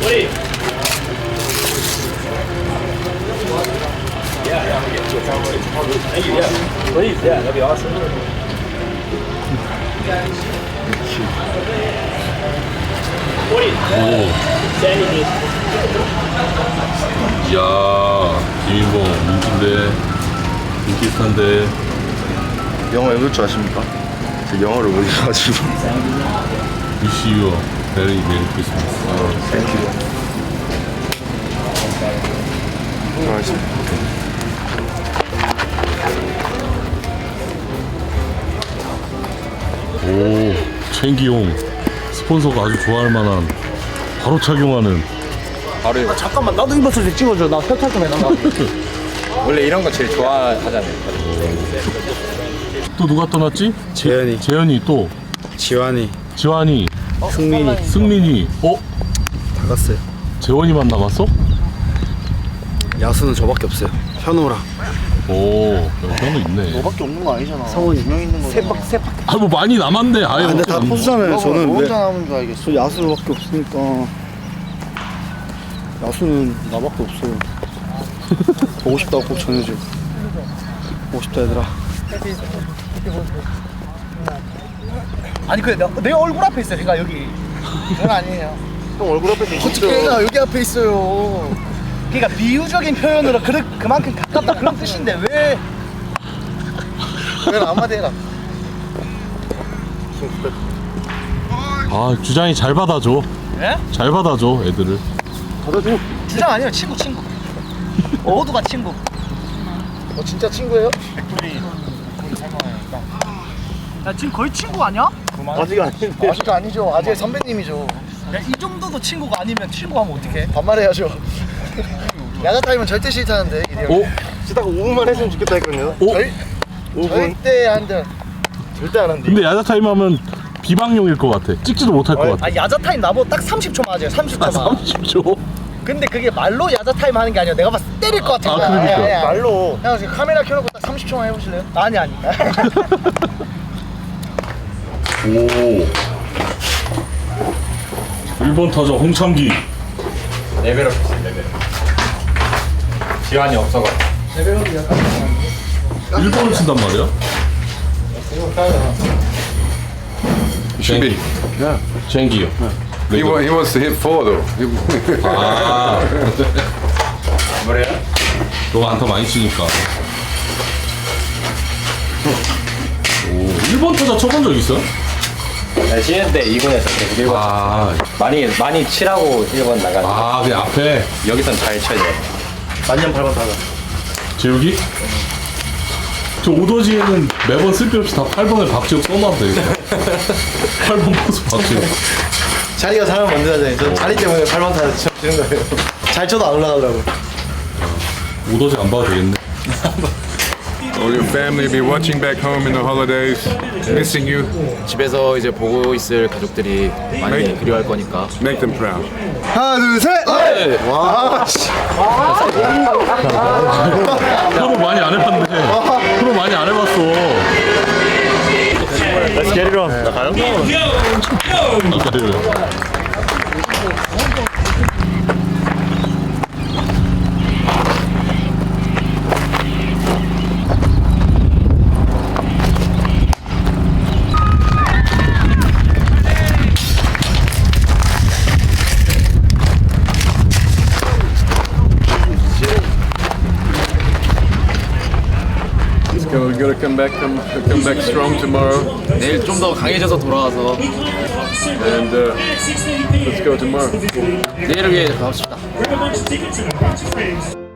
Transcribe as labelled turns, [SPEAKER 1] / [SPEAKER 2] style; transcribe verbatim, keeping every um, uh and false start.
[SPEAKER 1] Yeah, yeah, we get to a Thank you, yeah. Please, yeah, that'd be awesome.
[SPEAKER 2] 이야, 김인봉 인기인데, 인기 스타인데.
[SPEAKER 3] 영어 읽을 줄 아십니까? 저 영어를 못 읽어가지고.
[SPEAKER 2] Wish you a very merry Christmas.
[SPEAKER 3] 땡큐. 고맙습니다.
[SPEAKER 2] 오, 챙기용 스폰서가 아주 좋아할 만한 바로 착용하는.
[SPEAKER 3] 바로
[SPEAKER 4] 아, 잠깐만 나도 입어서 좀 찍어줘. 나 세탁 좀 해놔.
[SPEAKER 3] 원래 이런 거 제일 좋아하잖아요.
[SPEAKER 2] 또 누가 떠났지?
[SPEAKER 3] 재현이.
[SPEAKER 2] 재현이 또
[SPEAKER 3] 지환이,
[SPEAKER 2] 지환이,
[SPEAKER 3] 승민이
[SPEAKER 2] 승민이. 어?
[SPEAKER 3] 다 갔어요.
[SPEAKER 2] 재원이만 남았어?
[SPEAKER 3] 야수는 저밖에 없어요. 현우랑.
[SPEAKER 2] 오, 현우 있네.
[SPEAKER 4] 너밖에 없는 거 아니잖아.
[SPEAKER 3] 성훈이.
[SPEAKER 4] 두명 있는 거잖아.
[SPEAKER 3] 세박 세박.
[SPEAKER 2] 아, 뭐 많이 남았네. 아예.
[SPEAKER 3] 아, 근데 다
[SPEAKER 2] 없네.
[SPEAKER 3] 포수잖아요. 저는
[SPEAKER 4] 너
[SPEAKER 3] 왜?
[SPEAKER 4] 혼자 남은 줄 알겠어.
[SPEAKER 3] 저 야수밖에 없으니까. 야수는 나밖에 없어요. 보고 싶다고 꼭 전해줘. 보고 싶다 얘들아.
[SPEAKER 4] 아니 그래 내, 내 얼굴 앞에 있어. 걔가 여기. 그건 아니에요.
[SPEAKER 3] 형 얼굴 앞에 있어.
[SPEAKER 4] 어떻게 걔가 여기 앞에 있어요. 그러니까 비유적인 표현으로 그, 그만큼 가깝다 그런 뜻인데 왜? 왜 한마디 해라.
[SPEAKER 2] 아, 주장이 잘 받아줘.
[SPEAKER 4] 예?
[SPEAKER 2] 잘 받아줘, 애들을.
[SPEAKER 3] 받아줘.
[SPEAKER 4] 주장 아니에요. 친구 친구. 모두가 친구. 어 진짜 친구예요? 백돌이 야 지금 거의 친구 아니야?
[SPEAKER 3] 아직 아닌데.
[SPEAKER 4] 아직 아니죠. 아직 선배님이죠. 야, 이 정도도 친구가 아니면 친구하면 어떡해? 반말해야죠. 야자 타임은 절대 싫다는데 이리 형.
[SPEAKER 2] 오,
[SPEAKER 3] 딱 오 분만 했으면 좋겠다 했거든요.
[SPEAKER 2] 오.
[SPEAKER 4] 절,
[SPEAKER 3] 오 분.
[SPEAKER 4] 절대 안 돼. 절대 안 한대.
[SPEAKER 2] 근데 야자 타임 하면 비방용일 것 같아. 찍지도 못할 것 같아.
[SPEAKER 4] 아 야자 타임 나보고 딱 삼십 초 맞아요. 삼십 초만.
[SPEAKER 2] 삼십 초.
[SPEAKER 4] 근데 그게 말로 야자 타임 하는 게 아니라 내가 봤을 때 때릴 것 같은
[SPEAKER 2] 아,
[SPEAKER 4] 거야.
[SPEAKER 2] 그러니까.
[SPEAKER 4] 아니, 아니, 아니. 말로. 형 지금 카메라 켜놓고 딱 삼십 초만 해보실래요? 아니 아니.
[SPEAKER 2] 오. 일 번 타자 홍창기.
[SPEAKER 3] 레벨업 했어요. 레벨업. 지환이 없어가지고.
[SPEAKER 2] 일 번을 친단 말이야?
[SPEAKER 5] Should be. Yeah.
[SPEAKER 2] 쟁기요.
[SPEAKER 5] He, wa- he wants to hit four though. He-
[SPEAKER 2] 아,
[SPEAKER 3] 뭐래요?
[SPEAKER 2] 너가 안타 많이 치니까. 오, 일 번 타자 쳐본 적 있어?
[SPEAKER 6] 네, 신인 때 이 군에서 계속 일 번
[SPEAKER 2] 아,
[SPEAKER 6] 많이 많이 치라고 일 번 나가서
[SPEAKER 2] 아, 그 앞에
[SPEAKER 6] 여기선 잘 쳐야 돼요.
[SPEAKER 4] 만년 팔 번 타자.
[SPEAKER 2] 재욱이? 저 오더지에는 매번 쓸데없이 다 팔 번에 박지혁 써놔도 되겠다. 팔 번 포수 박지혁.
[SPEAKER 4] 자리가 사람 만들어야죠. 저 자리 때문에 팔 번 타자 치는 거예요. 잘 쳐도 안 올라가더라고.
[SPEAKER 2] 오더지 안 봐도 되겠네.
[SPEAKER 5] All your family be watching back home in the holidays, missing you.
[SPEAKER 6] 집에서 이제 보고 있을 가족들이 많이
[SPEAKER 5] 네.
[SPEAKER 6] 그리워할 거니까
[SPEAKER 5] Make them proud.
[SPEAKER 3] 하나 둘 셋. 와. 씨.
[SPEAKER 2] 프로 많이 안 해봤는데. 프로 많이 안 해봤어.
[SPEAKER 3] Let's get it on. 나가요?
[SPEAKER 2] 그래요.
[SPEAKER 5] Let's go. We gotta come back. Come, come back strong tomorrow.
[SPEAKER 6] 내일 좀 더 강해져서 돌아와서
[SPEAKER 5] And uh, let's go tomorrow.
[SPEAKER 6] 내일을 위해 가고 싶다.
[SPEAKER 7] Remember, tickets and